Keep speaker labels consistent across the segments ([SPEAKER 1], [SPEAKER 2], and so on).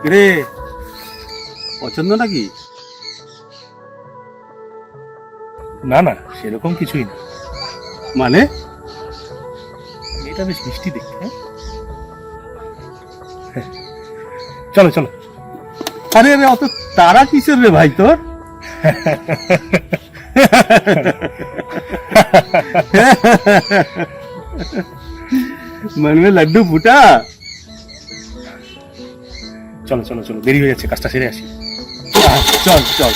[SPEAKER 1] রে পছন্দ নাকি?
[SPEAKER 2] না না, সেরকম কিছুই না।
[SPEAKER 1] মানে
[SPEAKER 2] এটা বেশ মিষ্টি দেখতে। হ্যাঁ, চলো চলো।
[SPEAKER 1] আরে আরে অত তারা কিসের রে ভাই তোর? मन में लड्डू फूटा।
[SPEAKER 2] চলো চলো চলো, দেরি হয়ে যাচ্ছে, কাজটা সেরে আসি।
[SPEAKER 1] चल चल।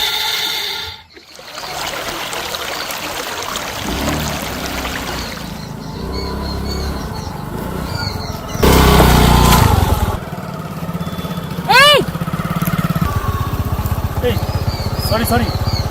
[SPEAKER 2] Sorry sorry.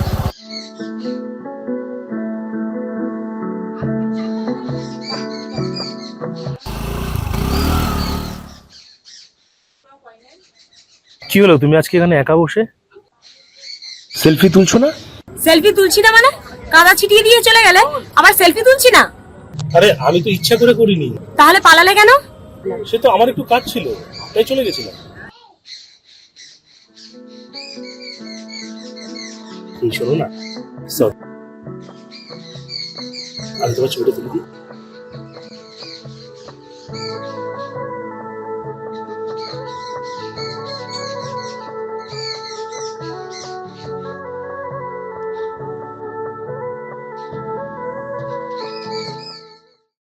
[SPEAKER 2] কি হলো, তুমি আজকে এখানে একা বসে সেলফি তুলছো না?
[SPEAKER 3] সেলফি তুলছি না মানে? কাদা ছিটিয়ে দিয়ে চলে গেলে আবার সেলফি তুলছি না?
[SPEAKER 2] আরে আমি তো ইচ্ছা করে করিনি।
[SPEAKER 3] তাহলে পালালে কেন?
[SPEAKER 2] সে তো আমার একটু কাজ ছিল, তাই চলে গেছিলাম। শোনো না, সরি, আমি তোমার ছবিটা তুলে দিই।